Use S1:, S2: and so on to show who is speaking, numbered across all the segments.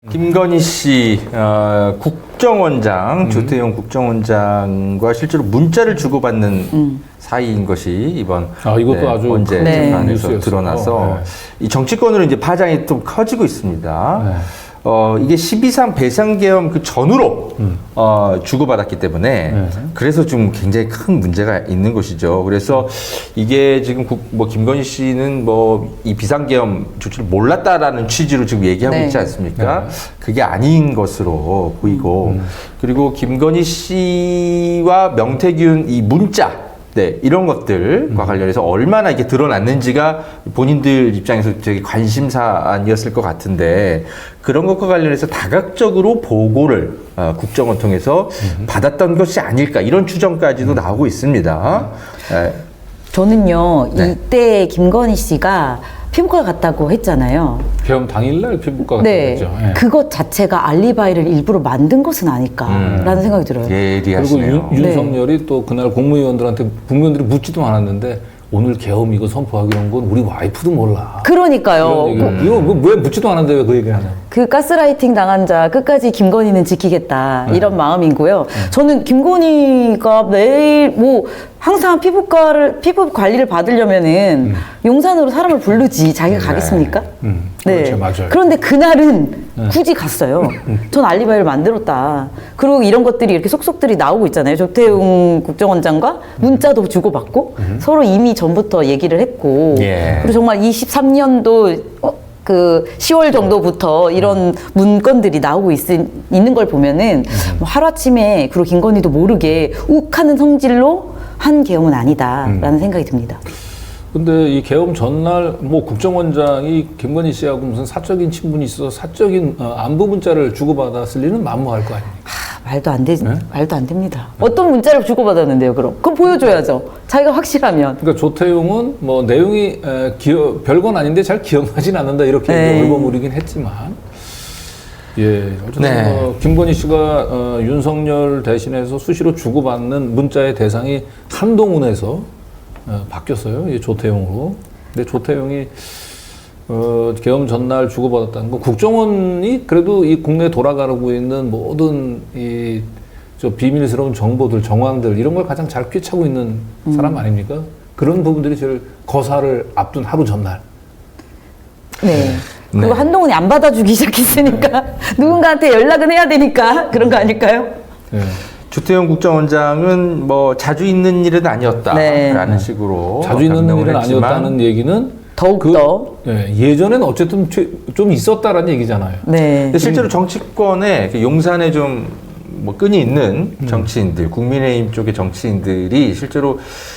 S1: 김건희 씨 국정원장 조태용 국정원장과 실제로 문자를 주고받는 사이인 것이 이번
S2: 이것도 아주
S1: 언제
S2: 큰
S1: 재판에서
S2: 뉴스였어요.
S1: 드러나서 이 정치권으로 이제 파장이 좀 커지고 있습니다.
S2: 네.
S1: 이게 12.3 배상계엄 그 전후로 주고받았기 때문에 그래서 좀 굉장히 큰 문제가 있는 것이죠. 그래서 이게 지금 김건희 씨는 이 비상계엄 조치를 몰랐다라는 취지로 지금 얘기하고 있지 않습니까? 그게 아닌 것으로 보이고 그리고 김건희 씨와 명태균 이 문자 이런 것들과 관련해서 얼마나 이게 드러났는지가 본인들 입장에서 되게 관심사안이었을 것 같은데 그런 것과 관련해서 다각적으로 보고를 국정원 통해서 받았던 것이 아닐까 이런 추정까지도 나오고 있습니다.
S3: 저는요, 이때 김건희 씨가 피부과 갔다고 했잖아요.
S2: 계엄 당일날 피부과 갔다고
S3: 네,
S2: 했죠.
S3: 그것 자체가 알리바이를 일부러 만든 것은 아닐까라는 생각이 들어요.
S1: 예리하시네요.
S2: 그리고 윤석열이 또 그날 국무위원들한테 국민들이 묻지도 않았는데 오늘 계엄 이거 선포하기로 한 건 우리 와이프도 몰라.
S3: 그러니까요.
S2: 이거 왜 묻지도 않았는데 왜 그 얘기를 하냐.
S3: 그 가스라이팅 당한 자 끝까지 김건희는 지키겠다 이런 마음이고요. 저는 김건희가 매일 항상 피부 관리를 받으려면은 용산으로 사람을 부르지 자기가 가겠습니까?
S2: 그렇죠, 맞아요.
S3: 그런데 그날은 굳이 갔어요. 전 알리바이를 만들었다. 그리고 이런 것들이 이렇게 속속들이 나오고 있잖아요. 조태용 국정원장과 문자도 주고받고 서로 이미 전부터 얘기를 했고 그리고 정말 23년도 그 10월 정도부터 이런 문건들이 나오고 있는 걸 보면은 하루아침에 그리고 김건희도 모르게 욱하는 성질로 한 계엄은 아니다라는 생각이 듭니다.
S2: 근데 이 계엄 전날 국정원장이 김건희 씨하고 무슨 사적인 친분이 있어서 사적인 안부 문자를 주고받았을 리는 만무할 거 아닙니까?
S3: 말도 안 됩니다. 어떤 문자를 주고받았는데요, 그럼? 그럼 보여줘야죠. 자기가 확실하면.
S2: 그러니까 조태용은 내용이 별건 아닌데 잘 기억나진 않는다 이렇게 얼버무리긴 했지만 어쨌든 김건희 씨가 윤석열 대신해서 수시로 주고받는 문자의 대상이 한동훈에서 바뀌었어요. 조태용으로. 근데 조태용이 계엄 전날 주고받았다는 거 국정원이 그래도 이 국내에 돌아가고 있는 모든 비밀스러운 정보들, 정황들 이런 걸 가장 잘 꿰차고 있는 사람 아닙니까? 그런 부분들이 제일 거사를 앞둔 하루 전날.
S3: 그리고 한동훈이 안 받아주기 시작했으니까 누군가한테 연락은 해야 되니까 그런 거 아닐까요?
S1: 조태용 국정원장은 자주 있는 일은 아니었다라는 식으로
S2: 자주 있는 일은 아니었다는 얘기는
S3: 더욱더
S2: 예전에는 어쨌든 좀 있었다라는 얘기잖아요.
S1: 근데 실제로 정치권에 용산에 좀 끈이 있는 정치인들, 국민의힘 쪽의 정치인들이 실제로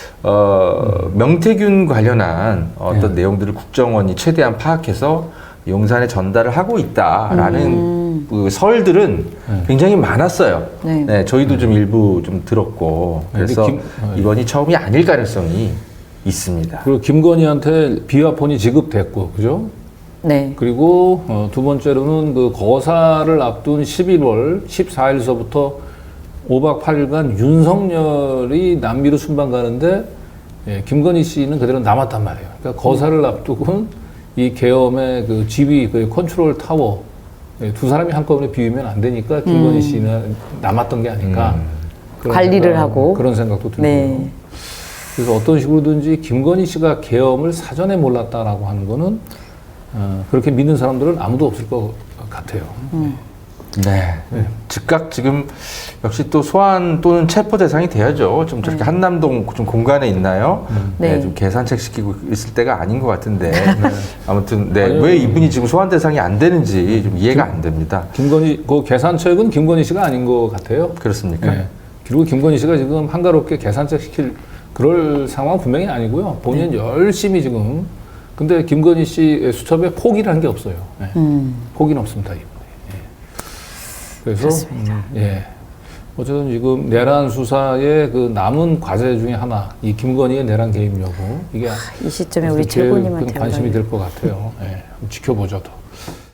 S1: 명태균 관련한 어떤 내용들을 국정원이 최대한 파악해서 용산에 전달을 하고 있다라는 그 설들은 굉장히 많았어요. 저희도 좀 일부 좀 들었고 그래서 이번이 처음이 아닐 가능성이 있습니다.
S2: 그리고 김건희한테 비화폰이 지급됐고, 그죠? 그리고 두 번째로는 그 거사를 앞둔 11월 14일서부터 5박 8일간 윤석열이 남미로 순방 가는데 김건희 씨는 그대로 남았단 말이에요. 그러니까 거사를 앞두고 이 계엄의 그 지휘, 그 컨트롤 타워 두 사람이 한꺼번에 비우면 안 되니까 김건희 씨는 남았던 게 아닐까.
S3: 관리를 하고
S2: 그런 생각도 들고요. 그래서 어떤 식으로든지 김건희 씨가 계엄을 사전에 몰랐다라고 하는 거는 그렇게 믿는 사람들은 아무도 없을 것 같아요.
S1: 즉각 지금 역시 또 소환 또는 체포 대상이 돼야죠. 좀 저렇게 한남동 좀 공간에 있나요? 좀 계산책 시키고 있을 때가 아닌 것 같은데 아무튼 왜 이분이 지금 소환 대상이 안 되는지 좀 이해가 안 됩니다.
S2: 그 계산책은 김건희 씨가 아닌 것 같아요.
S1: 그렇습니까?
S2: 그리고 김건희 씨가 지금 한가롭게 계산책 시킬 그럴 상황은 분명히 아니고요. 본인은 열심히 지금. 근데 김건희 씨 수첩에 포기라는 게 없어요. 포기는 없습니다, 이번에. 그래서 어쨌든 지금 내란 수사의 그 남은 과제 중에 하나, 이 김건희의 내란 개입 여부 이게
S3: 이 시점에 우리 최고님한테
S2: 관심이 될 것 같아요. 지켜보죠, 더.